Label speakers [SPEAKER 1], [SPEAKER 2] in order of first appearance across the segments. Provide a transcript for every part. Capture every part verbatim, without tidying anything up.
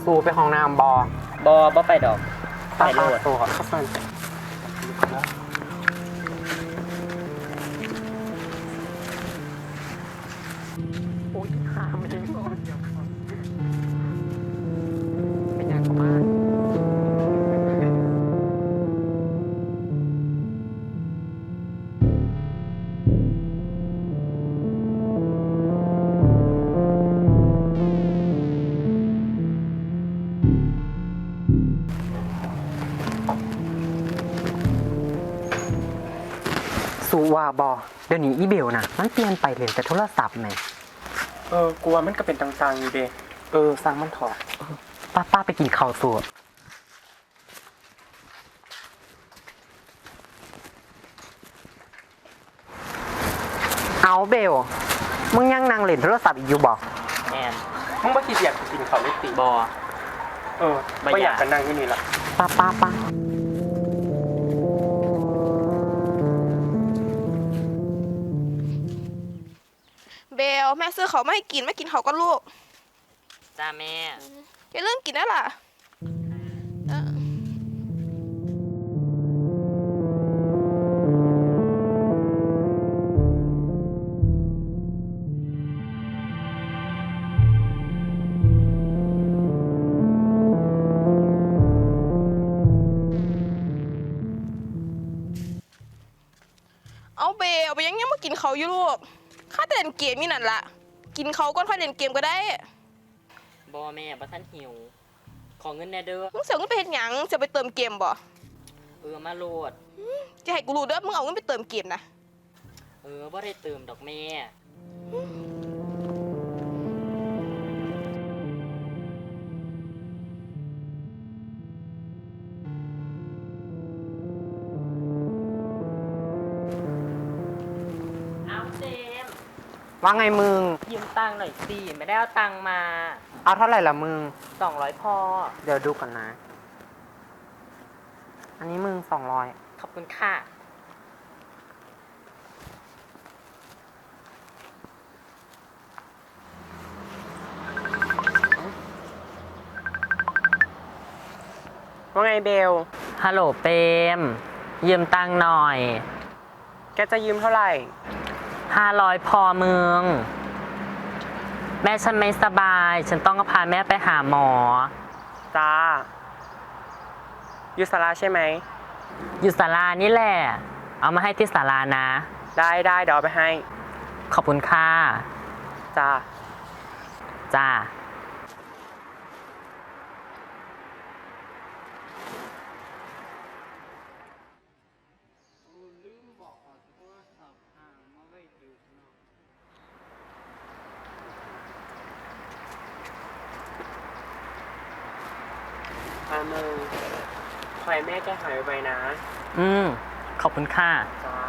[SPEAKER 1] สู่ไปห้องน้ำบอบ
[SPEAKER 2] อบอไปดอกไปโลด
[SPEAKER 1] สู่ครับข้าสันโอ้ยหาไม่ได้เป็นยังไงสูว่าบอเดี๋ยวนี้อีเบลนะมันเปลี่ยนไปเลยแต่โทรศัพท์แม่
[SPEAKER 3] เออกูว่ามันก็เป็นต่างๆอยู่เด้เออสร้างมันถอด
[SPEAKER 1] ป้าป้าไปกินข้าวสูเอาเบลมึงยังนั่งเล่นโทรศัพท์อีกอยู่บอก
[SPEAKER 2] แอน
[SPEAKER 3] มึงบ่คิดอยากกินข้าวเล็กติ
[SPEAKER 2] บอ
[SPEAKER 3] เออไม่อยากกันนั่งที่นี่ละ
[SPEAKER 1] ป้าป้าป้า
[SPEAKER 4] เบลแม่ซื้อเขาไม่ให้กินไม่กินเขาก็ลูก
[SPEAKER 2] จ้าแม่
[SPEAKER 4] อย่าเริ่มกินได้ล่ะเอาเบลไปยังยังมากินเขาอยู่ลูกข้าแต่เล่นเกมนี่นั่นละกินเขาก็ค่อยเล่นเกมก็ได้
[SPEAKER 2] บอแม่บ่ทันหิวขอเงินแน่เด้อ
[SPEAKER 4] มึงเสียเงินไปเฮ็ดหยังจะไปเติมเกมบ่
[SPEAKER 2] เออมาโหลด
[SPEAKER 4] จะให้กูรู้เด้อมึงเอาเงินไปเติมเกมนะ
[SPEAKER 2] เออบ่ได้เติมดอกแม่
[SPEAKER 1] ว่าไงมึง
[SPEAKER 2] ยืมตังค์หน่อยสิไม่ได้เอาตังค์มา
[SPEAKER 1] เอาเท่าไหร่ละมึง
[SPEAKER 2] สองร้อยพอ
[SPEAKER 1] เดี๋ยวดูก่อนนะอันนี้มึงสองร้อย
[SPEAKER 2] ขอบคุณค่ะ
[SPEAKER 3] ว่าไงเบล
[SPEAKER 2] ฮัลโหลเปมยืมตังค์หน่อย
[SPEAKER 3] แกจะยืมเท่าไหร่
[SPEAKER 2] ห้าร้อยพอมึงแม่ฉันไม่สบายฉันต้องพาแม่ไปหาหมอ
[SPEAKER 3] จ้าอยู่ศาลาใช่ไหม
[SPEAKER 2] อยู่ศาลานี่แหละเอามาให้ที่ศาลานะ
[SPEAKER 3] ได้ได้เดี๋ยวเอาไปให้
[SPEAKER 2] ขอบคุณค่ะ
[SPEAKER 3] จ้า
[SPEAKER 2] จ้า
[SPEAKER 3] อามึงคอยแม่แกหายไปนะ
[SPEAKER 2] อืมขอบคุณค่ะ
[SPEAKER 3] จ้า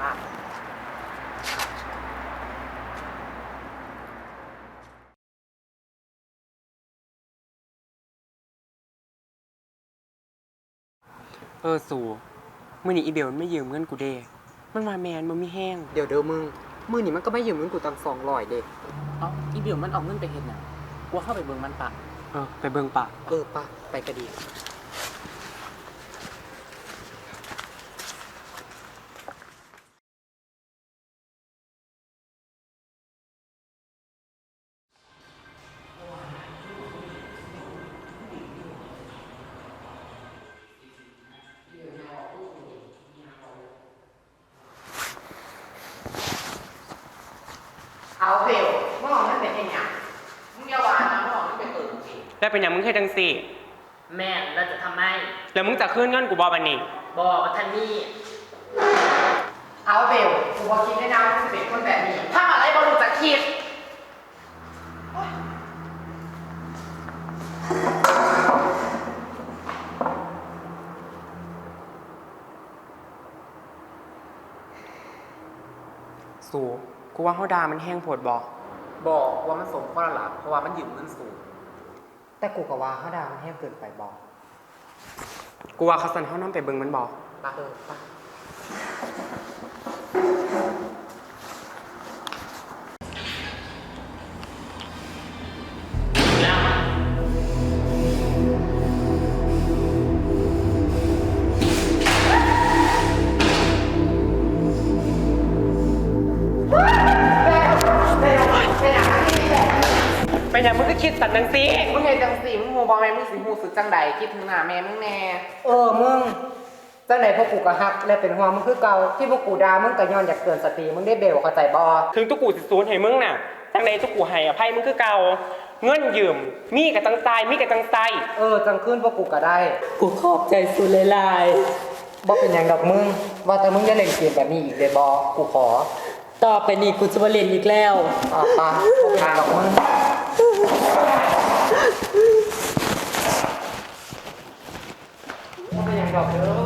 [SPEAKER 3] เออสู่มื้อนี้อีเบลมันไม่ยืมเงินกูเด้มันมาแมนมันมีแห้ง
[SPEAKER 1] เดี๋ยวเดี๋ยวมึงมื้อนี้มันก็ไม่ยืมเงินกูตั้งสองร้อยเด้
[SPEAKER 2] เอ้าอีเบลมันเอาเงินไปเฮ็ดหยังกูเข้าไปเบิ่งมันปะ
[SPEAKER 3] เออไปเบิ่งปะ
[SPEAKER 1] เออปะไปก็ดีเอาเบลมึงเอาเงินไปเฮ็ดหยังมึงอย่าว่านะมึงเอาเงินไปเติมสิ
[SPEAKER 3] แล้วเป็นหยังมึงเคยจังซี่
[SPEAKER 2] แม่เราจะทำไม
[SPEAKER 3] แล้วมึงจะคืนเงินกูบ่บัดนี้
[SPEAKER 2] บ่ว่าท่านนี่
[SPEAKER 1] เอาเบลกูบ่คิดได้นะว่ามึงเป็นคนแบบนี้ถ้าอะไรบ่รู้จักคิด
[SPEAKER 3] สู่กูว่าเฮาด่ามันแห้งโพดบ่
[SPEAKER 1] บอกว่ามันสมข้อละหลักเพราะว่ามันยืมเงินสูงแต่กูก็ว่าเฮาด่ามันแห้งเกินไปบ่
[SPEAKER 3] กูว่าเขาสั่นเฮานำไปเบิ่งมันบ่
[SPEAKER 1] ปะเออปะ
[SPEAKER 3] คิดสัตว์นังซี
[SPEAKER 1] มึงเห็นจังสีมึงหูบอแม่มึงสิหูสึกจังใดคิดถึงหน้าแม่มึงแน่
[SPEAKER 5] เออมึงจังไหนพวกกูก็ฮักและเป็นห่วงมึงคือเก่าที่พวกกูด่ามึงก็ย้อนอยากเตือนสติมึงได้เบลเข้าใจบ่
[SPEAKER 3] ถึงตุกูสิสูญให้มึงน่ะจังใดตุกูให้อภัยมึงคือเก่าเงินยืมมีกับตังใจมีกับตังใจ
[SPEAKER 5] เออจังขึ้นพวกกูก็ได้
[SPEAKER 2] กูขอบใจสุดหลาย
[SPEAKER 5] บ่เป็นหยังดอกมึงว่าแต่มึงอย่าเล่นเกมแบบนี้อีกเลยบ่กูขอ
[SPEAKER 2] ๆต่อไปนี้กูจะมาเล่นอีกแล้ว
[SPEAKER 5] อ่ะปะบ่เป็นหยังดอกมึงบ่เป็นหยังดอกเด้อ